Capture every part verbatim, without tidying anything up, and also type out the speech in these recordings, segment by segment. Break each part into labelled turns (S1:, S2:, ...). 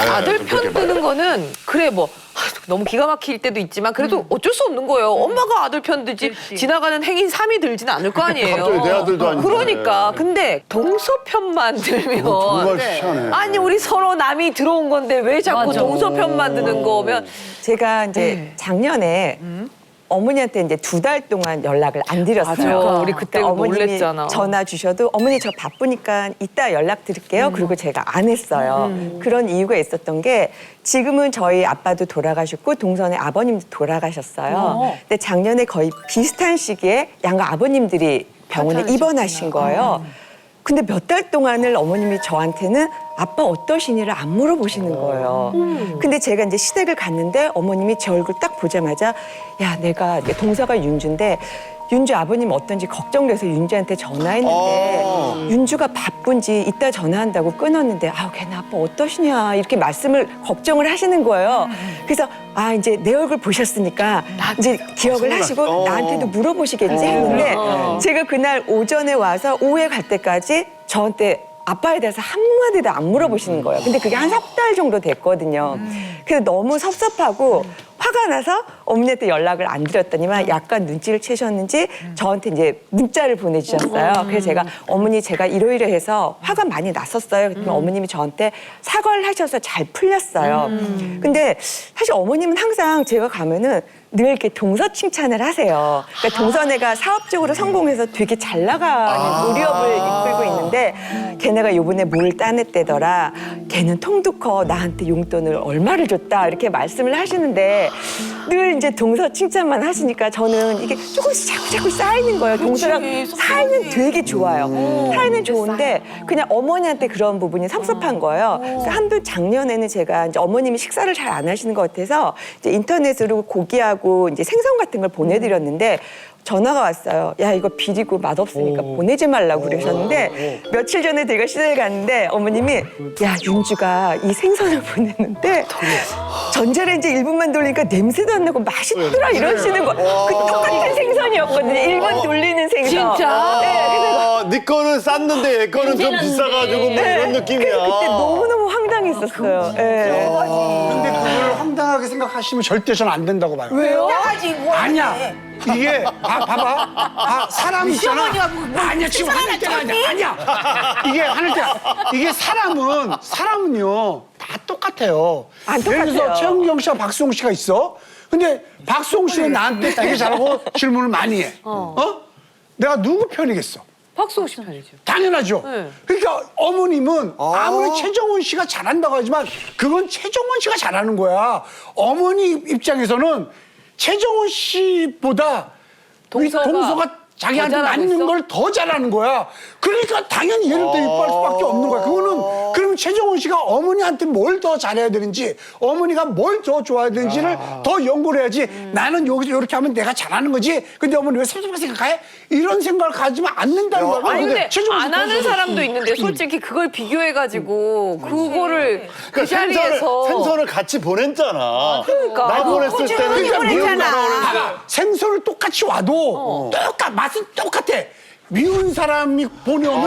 S1: 네,
S2: 아들
S1: 좀
S2: 편
S1: 그렇게 봐요.
S2: 드는 거는 그래 뭐 아, 너무 기가 막힐 때도 있지만 그래도
S3: 음.
S2: 어쩔 수 없는 거예요. 엄마가 아들 편 들지 지나가는 행인 삼이 들지는 않을 거 아니에요.
S1: 갑자기 내 아들도 아닌데.
S2: 그러니까 근데 동서 편만 들면
S1: 정말 희한해.
S2: 아니 우리 서로 남이 들어온 건데 왜 자꾸
S3: 맞아.
S2: 동서 편만 드는 거면
S4: 제가 이제
S2: 네.
S4: 작년에 어머니한테 이제 두 달 동안 연락을 안 드렸어요.
S2: 맞아. 우리 그때
S4: 그러니까 어머님이
S2: 놀랬잖아.
S4: 전화 주셔도 어머니 저 바쁘니까 이따 연락 드릴게요.
S2: 음.
S4: 그리고 제가 안 했어요. 그런 이유가 있었던 게 지금은 저희 아빠도 돌아가셨고 동선의 아버님도 돌아가셨어요.
S3: 어.
S4: 근데 작년에 거의 비슷한 시기에 양가 아버님들이 병원에 입원하신 거예요. 근데 몇 달 동안을 어머님이 저한테는 아빠 어떠시니를 안 물어보시는 거예요. 근데 제가 이제 시댁을 갔는데 어머님이 제 얼굴 딱 보자마자 야 내가 이게 동서가 윤주인데 윤주 아버님 어떤지 걱정돼서 윤주한테 전화했는데
S1: 어.
S4: 윤주가 바쁜지 이따 전화한다고 끊었는데 아우 걔네 아빠 어떠시냐 이렇게 말씀을 걱정을 하시는 거예요. 그래서 아 이제 내 얼굴 보셨으니까 이제 기억을 하시고
S1: 어.
S4: 나한테도 물어보시겠지 했는데 제가 그날 오전에 와서 오후에 갈 때까지 저한테 아빠에 대해서 한마디도 안 물어보시는 거예요. 근데 그게 한 석 달 정도 됐거든요. 그래서 너무 섭섭하고 화가 나서 어머니한테 연락을 안 드렸더니만 약간 눈치를 채셨는지 저한테 이제 문자를 보내주셨어요. 그래서 제가 어머니 제가 이러이러해서 화가 많이 났었어요. 그랬더니 어머님이 저한테 사과를 하셔서 잘 풀렸어요. 근데 사실 어머님은 항상 제가 가면은 늘 이렇게 동서 칭찬을 하세요. 그러니까 동서네가 사업적으로 성공해서 되게 잘 나가는 무리업을 이끌고 있는데 걔네가 요번에 뭘 따냈대더라. 걔는 통도 커 나한테 용돈을 얼마를 줬다 이렇게 말씀을 하시는데 늘 이제 동서 칭찬만 하시니까 저는 이게 조금씩 자꾸 자꾸 쌓이는 거예요. 동서랑 사이는 되게 좋아요. 사이는 좋은데 그냥 어머니한테 그런 부분이 섭섭한 거예요. 그래서 한두 작년에는 제가 이제 어머님이 식사를 잘 안 하시는 것 같아서 이제 인터넷으로 고기하고 이제 생선 같은 걸 보내드렸는데 전화가 왔어요. 야 이거 비리고 맛없으니까 보내지 말라고 그러셨는데 며칠 전에 제가 시댁에 갔는데 어머님이 야 윤주가 이 생선을 보냈는데 전자레인지 일 분만 돌리니까 냄새도 안 나고 맛있더라 이러시는 거. 그 똑같은 생선이었거든요. 일 분 돌리는 생선.
S2: 진짜?
S4: 네, 그래서
S1: 아, 네 거는 쌌는데 얘 거는 좀 비싸가지고 뭐 이런 느낌이야.
S4: 그래서 그때 너무너무 황당했었어요. 네.
S5: 근데 그걸 황당하게 생각하시면 절대 저는 안 된다고 봐요.
S3: 왜요?
S5: 아니야. 이게 봐, 봐봐. 아, 사람 있잖아.
S3: 뭐
S5: 아니야 지금 화낼 때가 아니야. 아니야. 이게 화낼 때 이게 사람은 사람은요 다 똑같아요.
S4: 안
S5: 예를 들어서
S4: 똑같아요.
S5: 최은경 씨와 박수홍 씨가 있어. 근데 박수홍 씨는 나한테 되게 잘하고 질문을 많이 해. 어? 내가 누구 편이겠어?
S2: 박수홍 씨 편이죠.
S5: 당연하죠.
S2: 네.
S5: 그러니까 어머님은 아무리 최정원 씨가 잘한다고 하지만 그건 최정원 씨가 잘하는 거야. 어머니 입장에서는 최정원 씨보다
S2: 동서가
S5: 동서가 자기한테
S2: 더 잘하고
S5: 맞는
S2: 있어?
S5: 걸 더 잘하는 거야. 그러니까 당연히 얘를 더 이뻐할 수밖에 없는 거야. 그거는 그러면 최정원 씨가 어머니한테 뭘 더 잘해야 되는지 어머니가 뭘 더 좋아해야 되는지를 더 연구를 해야지. 나는 여기서 이렇게 하면 내가 잘하는 거지. 근데 어머니 왜 섭섭하게 생각해? 이런 생각을 가지면 않는다는 거야.
S2: 아니 근데
S5: 최정원 씨
S2: 안 하는
S5: 동서는
S2: 사람도 있는데 솔직히 그걸 비교해가지고 그거를 그
S1: 그러니까 생선을,
S2: 자리에서
S1: 생선을 같이 보냈잖아.
S2: 그러니까.
S1: 나 보냈을 때는
S5: 그러니까
S1: 미운
S5: 보냈잖아.
S1: 거라 그러는데.
S5: 봐봐. 생선을 똑같이 와도 똑같 맛은 똑같아. 미운 사람이 보내오면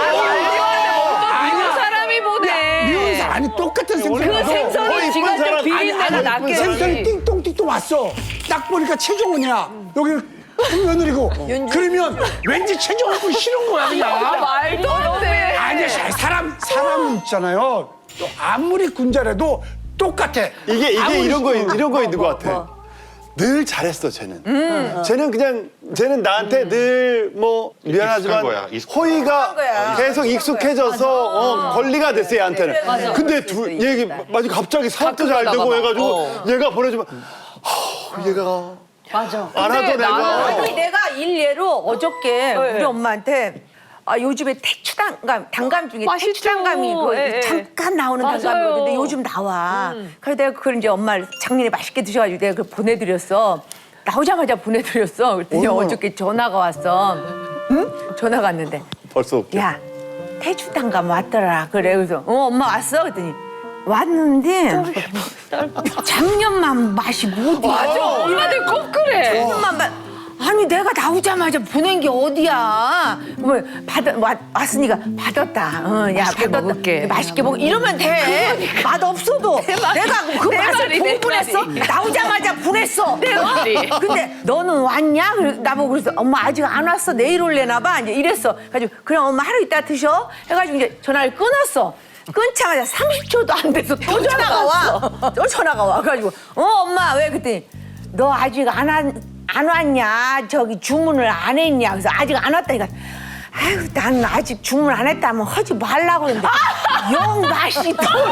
S2: 아니야 사람이 보내.
S5: 미운 사람 아니 똑같은 생선.
S2: 그
S1: 더
S2: 생선이
S1: 이쁜
S2: 지가 좀
S1: 사람,
S2: 비린내가
S5: 아니,
S2: 낫게
S5: 생선이 띵똥띵똥 왔어. 딱 보니까 최종원이야. 여기 며느리고. 그러면 왠지 최종원 싫은 거야 그냥.
S2: 말도 안 돼.
S5: 아니야 사람 사람 있잖아요. 또 아무리 군자라도 똑같아.
S1: 이게 이게
S5: 아무리
S1: 이런 거
S5: 싫어.
S1: 이런 거 있는 것 같아. 늘 잘했어 쟤는. 쟤는 그냥 쟤는 나한테 늘 뭐 미안하지만
S6: 거야, 익숙한
S1: 호의가 계속 익숙해져서 어, 권리가 됐어 얘한테는. 근데 두 얘기 맞아 갑자기 사업도 잘 되고
S2: 가끔
S1: 해가지고
S2: 어.
S1: 얘가 보내주면 하, 얘가
S3: 맞아.
S1: 안 하던
S2: 근데 나는
S1: 애가
S3: 아니 내가 일례로 어저께 우리 엄마한테 아 요즘에 태추당감 당감 중에
S2: 맛있죠.
S3: 태추당감이 그
S2: 예, 예.
S3: 잠깐 나오는
S2: 맞아요.
S3: 당감이거든요. 요즘 나와. 그래서 내가 그걸 이제 엄마 작년에 맛있게 드셔가지고 내가 그걸 보내드렸어. 나오자마자 보내드렸어. 그랬더니 어저께 전화가 왔어. 응? 전화가 왔는데
S1: 벌써 웃겨.
S3: 야 태추당감 왔더라. 그래 그래서 어 엄마 왔어? 그랬더니 왔는데 작년만 맛이 못
S2: 맞아. 엄마들 꼭 그래.
S3: 작년만 맛 아니 내가 나오자마자 보낸 게 어디야? 뭐 받아 왔, 왔으니까 받았다. 어, 야
S2: 맛있게
S3: 받았다.
S2: 먹을게.
S3: 맛있게 먹. 이러면 돼. 맛 없어도 내가 그
S2: 내
S3: 맛을
S2: 말이, 내
S3: 보고 보냈어.
S2: 말이.
S3: 나오자마자 보냈어.
S2: 내 말이.
S3: 근데 너는 왔냐? 그래, 나보고 그래서 엄마 아직 안 왔어. 내일 올래나 봐. 이제 이랬어. 가지고 그럼 엄마 하루 있다 드셔. 해가지고 이제 전화를 끊었어. 끊자마자 삼십 초도 안 돼서 또 전화가 와. 또 전화가 와. 그래가지고 어 엄마 왜 그랬더니 너 아직 안 안, 안 왔냐? 저기 주문을 안 했냐? 그래서 아직 안 왔다니까. 아유, 난 아직 주문 안 했다면 하지 말라고 그러는데 영 맛이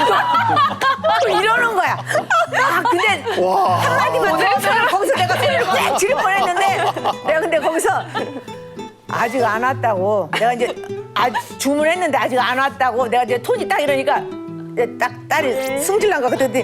S3: 또 이러는 거야. 아, 근데 한마디만 더 하면 거기서 내가 땡 지를 뻔했는데 내가 근데 거기서 아직 안 왔다고 내가 이제 아, 주문했는데 아직 안 왔다고 내가 이제 톤이 딱 이러니까 이제 딱 딸이 승질난 거 그랬더니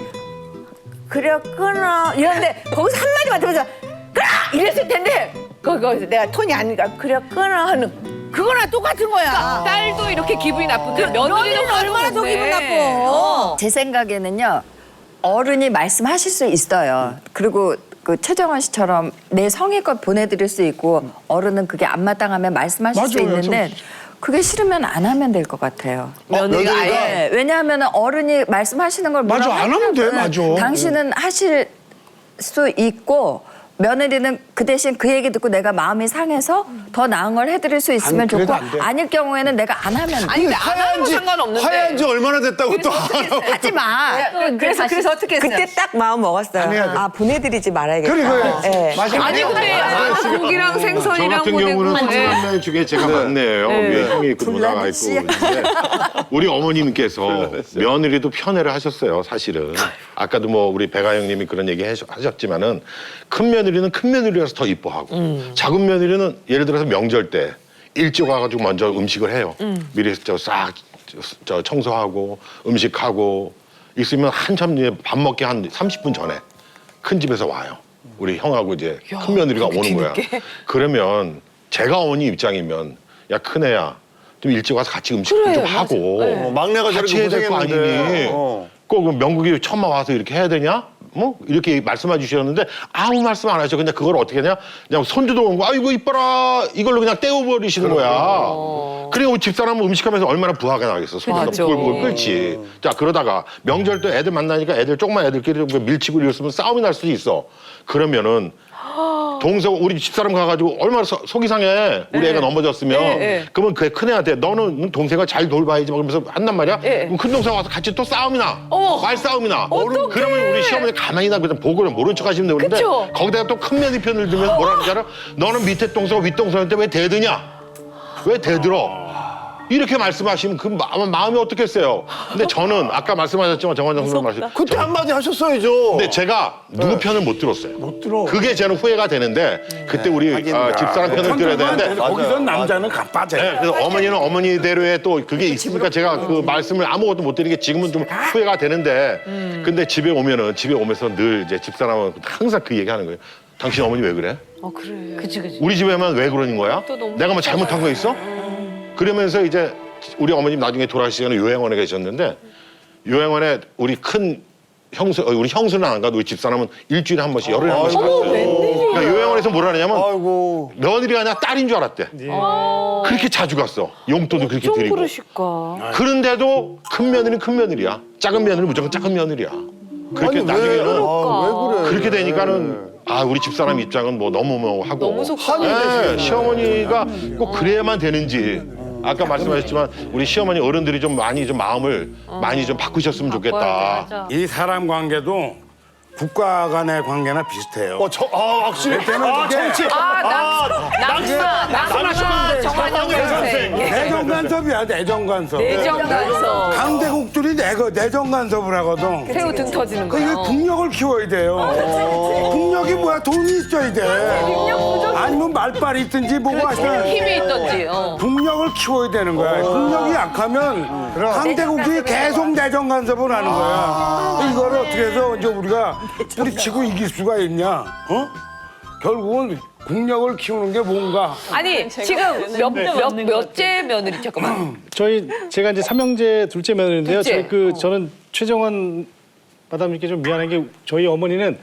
S3: 그래 끊어 이러는데 거기서 한마디만 들어서 끊어 이랬을 텐데 거기 거기서 내가 톤이 아니니까 그래 끊어 하는 그거랑 똑같은 거야.
S2: 딸도 이렇게 기분이 나쁜데 며느리는
S3: 며느리는 얼마나 더 기분 나빠.
S2: 어.
S6: 제 생각에는요, 어른이 말씀하실 수 있어요. 그리고 그 최정원 씨처럼 내 성의껏 보내드릴 수 있고 어른은 그게 안 마땅하면 말씀하실 수
S5: 맞아요,
S6: 있는데 그게 싫으면 안 하면 될 것 같아요.
S2: 며느리가 아예
S6: 네, 왜냐하면 어른이 말씀하시는 걸
S5: 맞아,
S6: 뭐라고
S5: 안 하면 돼,
S6: 하면은
S5: 맞아.
S6: 당신은 하실 수 있고 며느리는 그 대신 그 얘기 듣고 내가 마음이 상해서 더 나은 걸 해드릴 수 있으면
S5: 안, 그래도
S6: 좋고
S5: 안 돼.
S6: 아닐 경우에는 내가 안 하면
S2: 아니 근데 안 하는 거 상관없는데.
S1: 하얀 지 얼마나 됐다고 또.
S6: 하지 마.
S3: 그래서 그래서 어떻게 했어요?
S4: 그때 딱 마음 먹었어요.
S5: 해야 돼.
S4: 아 보내드리지 말아야겠다.
S5: 그래, 그래.
S4: 네.
S5: 맞아.
S2: 아니 근데 아, 고기랑
S7: 저
S2: 생선이랑
S7: 같은
S2: 보내고
S7: 경우는
S2: 네.
S7: 다섯 명 중에 제가 막내예요. 위에 형이 그 누나가 있고 있는데 우리 어머님께서 며느리도 편애를 하셨어요. 사실은 아까도 뭐 우리 배가 형님이 그런 얘기 하셨- 하셨지만은 큰 며느리는 큰 며느리라서 더 이뻐하고 작은 며느리는 예를 들어서 명절 때 일찍 와가지고 먼저 음식을 해요. 미리 저 싹 저 청소하고 음식하고 있으면 한참 이제 밥 먹기 한 삼십 분 전에 큰 집에서 와요. 우리 형하고 이제 큰 며느리가 오는 거야. 그러면 제가 어머니 입장이면 야 큰애야 좀 일찍 와서 같이 음식 좀 하고
S1: 어, 막내가
S7: 같이
S1: 저렇게
S7: 해야 될 거
S1: 고생했는데.
S7: 아니니
S1: 어.
S7: 꼭 명국이 처음 와서 이렇게 해야 되냐? 뭐 이렇게 말씀해 주셨는데 아무 말씀 안 하셔. 그냥 그걸 어떻게 하냐? 그냥 손주도 오고 아이고 이뻐라 이걸로 그냥 떼어버리시는 거야. 그리고 집사람은 음식하면서 얼마나 부하게 나겠어. 손주도
S2: 맞아.
S7: 부글부글 끓지. 자 그러다가 명절 때 애들 만나니까 애들 조그만 애들끼리 좀 밀치고 이랬으면 싸움이 날 수도 있어. 그러면은 동생 우리 집사람 가가지고 얼마나 서- 속이 상해. 우리 애가 넘어졌으면
S2: 네, 네.
S7: 그러면 그 큰애한테 너는 동생을 잘 돌봐야지 막 그러면서 한단 말이야.
S2: 네.
S7: 그럼 큰 동생 와서 같이 또 싸움이 나.
S2: 어머.
S7: 말싸움이 나.
S2: 어떡해.
S7: 그러면 우리 시어머니 가만히 나 그냥 보고 모른 척 하시면 되는데
S2: 그쵸?
S7: 거기다가 또 큰 며느리 편을 들면 뭐라는 줄 알아? 너는 밑에 동생 윗동생한테 왜 대드냐? 왜 대들어? 이렇게 말씀하시면 그 마음, 마음이 어떻겠어요? 근데 저는 아까 말씀하셨지만 정원장 선생님 말씀
S1: 그때 한마디 하셨어야죠.
S7: 근데 제가 누구 편을 못 들었어요.
S5: 못 들어.
S7: 그게 저는 후회가 되는데 그때 우리
S1: 하긴.
S7: 어, 집사람 편을 들어야 되는데
S5: 거기서 남자는 가빠져.
S7: 네, 그래서 어머니는 어머니대로의 또 그게 있으니까 제가 그 말씀을 아무것도 못 드리는 게 지금은 좀 후회가 되는데 근데 집에 오면은 집에 오면서 늘 이제 집사람은 항상 그 얘기하는 거예요. 당신 어머니 왜 그래?
S2: 어 그래.
S3: 그치 그치.
S7: 우리 집에만 왜 그러는 거야?
S2: 또 너무
S7: 내가 뭐 잘못한 거 있어? 그러면서 이제 우리 어머님 나중에 돌아가시기 전에 요양원에 계셨는데 요양원에 우리 큰 형수, 어, 우리 형수는 안 가도 우리 집사람은 일주일에 한 번씩 열흘에 한 번씩 갔어요. 그러니까 요양원에서 뭐라 하냐면
S1: 아이고.
S7: 며느리가 아니라 딸인 줄 알았대. 그렇게 자주 갔어. 용돈도 그렇게
S2: 좀
S7: 드리고.
S2: 그러실까.
S7: 그런데도 큰 며느리는 큰 며느리야. 작은 며느리는 무조건 작은 며느리야. 그렇게
S1: 아니, 왜,
S7: 나중에는
S1: 아, 왜 그래?
S7: 그렇게 되니까는 아 우리 집사람 입장은 뭐 너무 뭐 하고
S2: 너무 속상해.
S7: 네, 시어머니가 꼭 그래야만 되는지 아까 말씀하셨지만 우리 시어머니 어른들이 좀 많이 좀 마음을 많이 좀 바꾸셨으면 좋겠다.
S8: 이 사람 관계도 국가 간의 관계나 비슷해요.
S1: 어, 저, 아, 확실히. 아, 정치.
S2: 아 낙사 낙사 정한영 선생.
S8: 내정 간섭이야, 내정 간섭.
S2: 내정 간섭.
S8: 강대국들이 내거 내정 간섭을 하거든.
S2: 새우 등 터지는
S8: 그 이거
S2: 거.
S8: 국력을 키워야 돼요. 국력이 뭐야? 돈이 있어야 돼. 아니면 말빨이 있든지 뭐고 하시든
S2: 힘이 있던지. 어.
S8: 국력을 키워야 되는 거야. 국력이 약하면 강대국이 계속 내정 간섭을 하는 거야. 이거를 어떻게 해서 이제 우리가 뿌리치고 이길 수가 있냐? 어? 결국은 국력을 키우는 게 뭔가.
S2: 아니 지금 몇 몇 몇째 며느리 잠깐만.
S9: 저희 제가 이제 삼형제 둘째 며느리인데요.
S2: 둘째.
S9: 저희 그 저는 최정원 마담님께 좀 미안한 게 저희 어머니는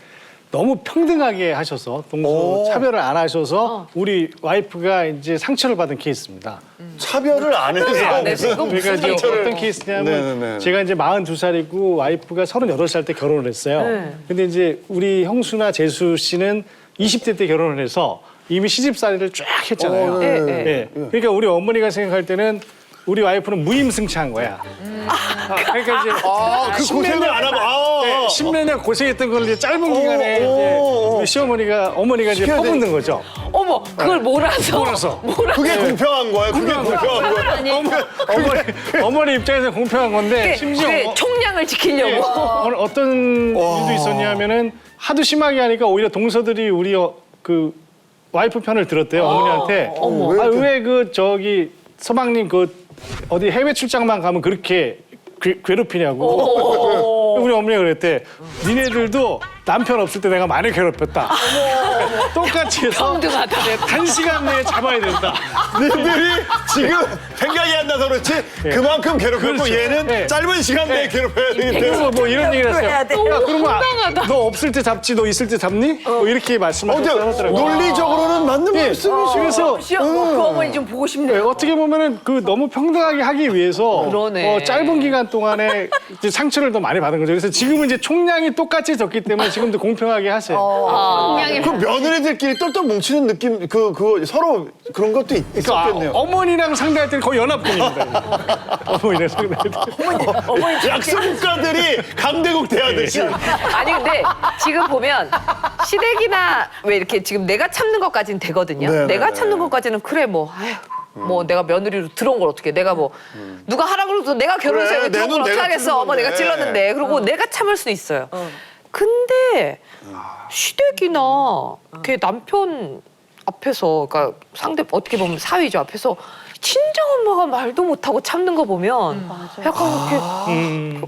S9: 너무 평등하게 하셔서 동서 차별을 안 하셔서 우리 와이프가 이제 상처를 받은 케이스입니다.
S1: 차별을 안 해서 무슨
S9: 그러니까 이제
S1: 상처를-
S9: 어떤 케이스냐면
S1: 네네네.
S9: 제가 이제 마흔두 살이고 와이프가 서른여덟 살 때 결혼을 했어요.
S2: 네.
S9: 근데 이제 우리 형수나 재수 씨는 이십 대 때 결혼을 해서 이미 시집살이를 쫙 했잖아요.
S1: 어,
S2: 네,
S9: 예,
S2: 네.
S9: 예. 그러니까 우리 어머니가 생각할 때는 우리 와이프는 무임승차한 거야. 그러니까 이제
S1: 아, 그 고생을 안 하고 아,
S9: 네, 십몇 년 고생했던 걸 이제 짧은 기간에 이제 우리 시어머니가 어머니가 이제
S1: 시켜야 돼.
S9: 퍼붓는 거죠.
S2: 어머, 그걸 몰아서.
S9: 몰아서.
S1: 그게 공평한 거예요. 그게 공평한 거예요.
S9: 어머니, 어머니 입장에서 공평한 건데 심지어
S2: 그게
S9: 어-
S2: 총량을 지키려고.
S9: 어, 어떤 일도 있었냐면은 하도 심하게 하니까 오히려 동서들이 우리 어, 그 와이프 편을 들었대요 어머니한테.
S1: 어머.
S9: 아, 왜 그 저기 서방님 그 어디 해외 출장만 가면 그렇게 괴, 괴롭히냐고. 우리 어머니가 그랬대. 니네들도 남편 없을 때 내가 많이 괴롭혔다. 똑같이 해서
S2: 평등하다.
S9: 단시간 내에 잡아야 된다.
S1: 너희들이 지금 생각이 안 나서 그렇지 그만큼 괴롭혔고
S9: 그렇죠.
S1: 얘는
S9: 네.
S1: 짧은 시간 내에 괴롭혀야 되기 때문에
S9: 그래서 뭐 이런 얘기를 했어요. 야,
S3: 돼.
S9: 그러면 아, 너 없을 때 잡지, 너 있을 때 잡니? 뭐 이렇게 말씀하셨다고
S1: 어제
S9: 하더라고요.
S1: 논리적으로는 맞는
S9: 예,
S1: 말씀이시죠.
S9: 그래서
S3: 시어 그 어머니 좀 보고 싶네.
S9: 네, 어떻게 보면은 그 너무 평등하게 하기 위해서
S2: 그러네.
S9: 어, 짧은 기간 동안에 이제 상처를 더 많이 받은 거죠. 그래서 지금은 이제 총량이 똑같이 졌기 때문에 지금도 공평하게 하세요.
S6: 총량이
S1: 그 며느리들끼리 똘똘 뭉치는 느낌 그 그거 서로 그런 것도 있,
S9: 그러니까 아,
S1: 있었겠네요.
S9: 어머니랑 상대할 때는 거의 연합군입니다. 어머니랑 상대할 때.
S1: 약소국가들이 강대국 대하듯이.
S2: 아니 근데 지금 보면 시댁이나 왜 이렇게 지금 내가 참는 것까지는 되거든요.
S1: 네,
S2: 내가
S1: 네,
S2: 참는
S1: 네.
S2: 것까지는 그래 뭐 아휴 뭐 내가 며느리로 들어온 걸 어떻게 내가 뭐 누가 하라 그러고서 내가 결혼해서
S1: 그래,
S2: 여기 들어온
S1: 내
S2: 걸
S1: 눈
S2: 어떻게
S1: 내가
S2: 하겠어.
S1: 찔른
S2: 어머 내가
S1: 건데.
S2: 찔렀는데 그리고 내가 참을 수 있어요. 근데 시댁이나 걔 남편 앞에서 그러니까 상대 어떻게 보면 사위죠 앞에서 친정 엄마가 말도 못하고 참는 거 보면 약간 이렇게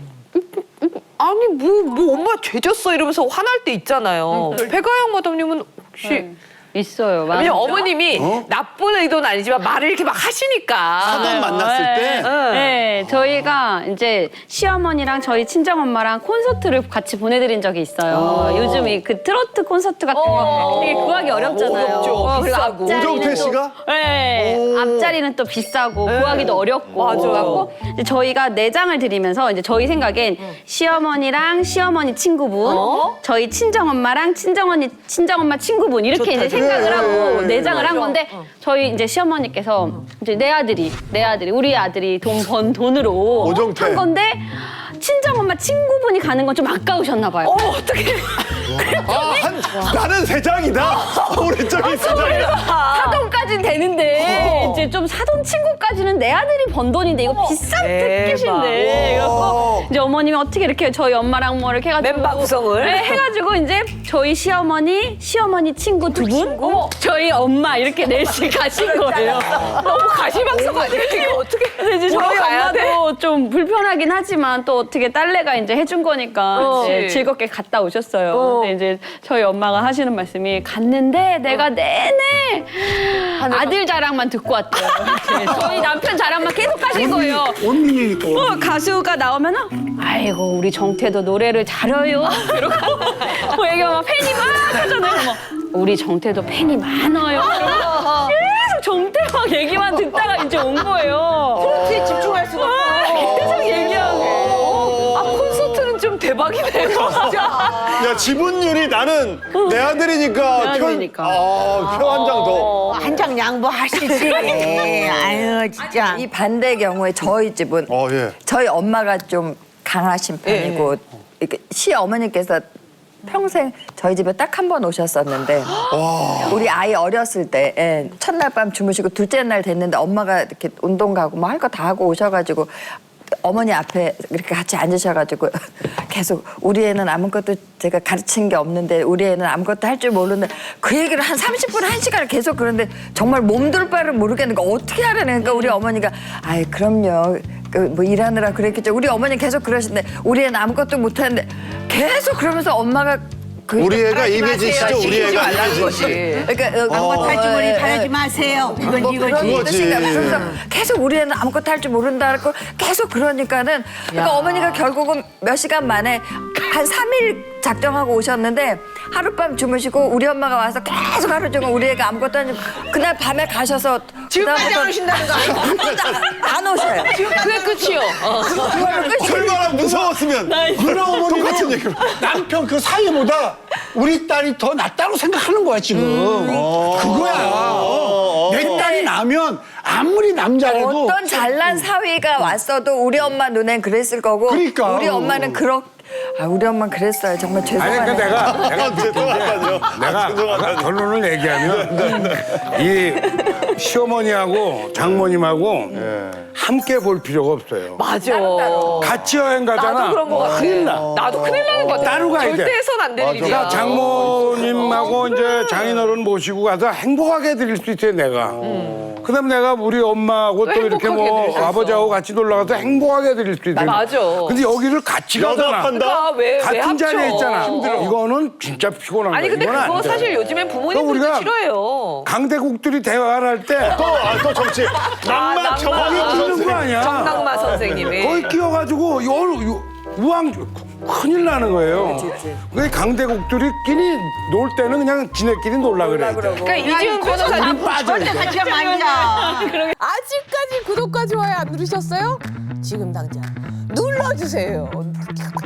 S2: 아니 뭐 뭐 엄마 죄졌어 이러면서 화날 때 있잖아요. 백아영 마담님은 혹시
S10: 있어요.
S2: 왜냐면 어머님이 나쁜 의도는 아니지만 말을 이렇게 막 하시니까.
S1: 사돈 만났을 때
S10: 네, 저희가 이제 시어머니랑 저희 친정엄마랑 콘서트를 같이 보내드린 적이 있어요. 요즘 이 그 트로트 콘서트 같은 거 되게 구하기 어렵잖아요.
S2: 어렵죠.
S10: 어, 그리고
S2: 비싸고.
S10: 앞자리는
S1: 오정태
S10: 또-
S1: 씨가?
S10: 네, 앞자리는 또 비싸고 구하기도 어렵고.
S2: 맞아요.
S10: 그래갖고 이제 저희가 내장을 드리면서 이제 저희 생각엔 시어머니랑 시어머니 친구분, 저희 친정엄마랑 친정언니 친정엄마 친구분 이렇게 이제 생각을 하고 내장을 한 건데 저희 이제 시어머니께서 이제 내 아들이 내 아들이 우리 아들이 돈 번 돈으로
S1: 오정태.
S10: 한 건데 친정엄마 친구분이 가는 건 좀 아까우셨나 봐요.
S2: 어머 어떻게
S1: 아, 한, 나는 세장이다. 오른쪽이 세장이다.
S10: 사돈까지는 되는데 이제 좀 사돈 친구까지는 내 아들이 번 돈인데 이거 비싼 특기신데 그래갖고 이제 어머님이 어떻게 이렇게 저희 엄마랑 뭐 이렇게 해가지고
S2: 멤버 구성을?
S10: 네, 해가지고 이제 저희 시어머니 시어머니 친구 두 분 저희 엄마 이렇게 넷이 가신 거예요.
S2: 너무 가시방석 아니야 이거 어떻게
S10: 그래서 이제
S2: 보러
S10: 저희
S2: 가야 돼?
S10: 엄마도 좀 불편하긴 하지만 또 어떻게 딸내가 이제 해준 거니까
S2: 어.
S10: 이제 즐겁게 갔다 오셨어요. 근데 이제 저희 엄마가 하시는 말씀이 갔는데 내가 내내 아들 자랑만 듣고 왔대요. 이렇게 저희 남편 자랑만 계속 하신 거예요.
S5: 언니니까.
S10: 어, 가수가 나오면은 아이고 우리 정태도 노래를 잘해요. 이러고 뭐 얘기하면 막 팬이 막 하잖아요. 뭐 우리 정태도 팬이 많아요. 이러고 계속 정태 막 얘기만 듣다가 이제 온 거예요.
S2: 트로트에 집중할 수가 없어.
S10: 계속 얘기하고.
S2: 아 콘서트는 좀 대박이네 진짜.
S1: 야 지분율이 나는 내 아들이니까
S10: 내 아들이니까.
S1: 아, 표 한 장 더.
S3: 한 장 양보하시지. 아유 진짜.
S6: 이 반대 경우에 저희 집은
S1: 어 예.
S6: 저희 엄마가 좀 강하신 편이고 이렇게 시어머니께서 평생 저희 집에 딱 한 번 오셨었는데 우리 아이 어렸을 때 예, 첫날 밤 주무시고 둘째 날 됐는데 엄마가 이렇게 운동 가고 뭐 할 거 다 하고 오셔가지고 어머니 앞에 이렇게 같이 앉으셔가지고 계속 우리 애는 아무것도 제가 가르친 게 없는데 우리 애는 아무것도 할 줄 모르는데 그 얘기를 한 삼십 분, 한 시간을 계속 그러는데 정말 몸둘 바를 모르겠는 거 어떻게 하라는 그러니까 우리 어머니가 아이 그럼요 그 뭐 일하느라 그랬겠죠 우리 어머니 계속 그러시는데 우리 애는 아무것도 못하는데 계속 그러면서 엄마가 그
S1: 우리 애가 이매진 씨죠. 우리 애가 이매진 씨.
S6: 그러니까
S3: 아무것도 할 줄 모르니
S6: 어,
S3: 바라지
S6: 예.
S3: 마세요. 이건
S6: 뭐
S3: 이거지.
S6: 그런
S1: 그거지.
S6: 뜻인가 봐. 그래서 계속 우리 애는 아무것도 할 줄 모른다 고 계속 그러니까는 그러니까 어머니가 결국은 몇 시간 만에 한 삼 일 작정하고 오셨는데 하룻밤 주무시고 우리 엄마가 와서 계속 하루 종일 우리 애가 아무것도 안 주고 그날 밤에 가셔서
S3: 지금까지 안 오신다는 거 아니야?
S6: 안 오셔요.
S2: 그게 끝이요.
S6: 그거는 끝이
S1: 얼마나 무서웠으면
S5: 그런 어머니는
S1: 똑같은 얘기를.
S5: 남편 그 사이보다 우리 딸이 더 낫다고 생각하는 거야 지금. 그거야. 어. 내 딸이 나면 아무리 남자라도
S6: 어떤 잘난 사위가 왔어도 우리 엄마 눈엔 그랬을 거고
S5: 그러니까.
S6: 우리 엄마는 그렇 아 우리 엄마는 그랬어요. 정말
S8: 아니
S6: 죄송해요.
S8: 그 내가 내가
S1: 죄송하다뇨.
S8: 내가 아까 결론을 얘기하면 이 시어머니하고 장모님하고 함께 볼 필요가 없어요.
S2: 맞아.
S8: 같이 여행 가잖아.
S2: 나도 그런 거 같아.
S8: 큰일 나.
S2: 나도 큰일 나는 거 같아.
S8: 따로 가야 돼.
S2: 절대 해선 안 될 일이야.
S8: 그러니까 장모님하고 이제 장인어른 모시고 가서 행복하게 해드릴 수 있어요, 내가. 그다음에 내가 우리 엄마하고 또 이렇게
S2: 행복하게
S8: 뭐
S2: 해드리셨어.
S8: 아버지하고 같이 놀러 가서 행복하게 해드릴 수 있어요.
S2: 맞아.
S8: 근데 여기를 같이 가잖아.
S1: 연합한다?
S2: 그러니까 왜, 왜
S8: 같은
S2: 합쳐?
S8: 자리에 있잖아. 이거는 진짜 피곤한
S2: 아니
S8: 거야.
S2: 근데
S8: 이건 안
S2: 그거
S8: 돼.
S2: 사실 요즘엔 부모님들도
S8: 우리가
S2: 싫어해요.
S8: 강대국들이 대화를 할 때
S1: 또, 아, 또 정치. 낭만
S2: 낭만.
S1: 정황이
S8: 끼는 거 아니야.
S2: 정당마 선생님이.
S8: 거기 끼어가지고 요, 요, 우왕 큰일 나는 거예요. 그 강대국들이끼리 놀 때는 그냥 지네끼리 놀라 그래.
S2: 그러니까 이지훈 변호사님
S3: 절대 같이 가면 아니야.
S11: 아직까지 구독과 좋아요 안 누르셨어요? 지금 당장 눌러주세요.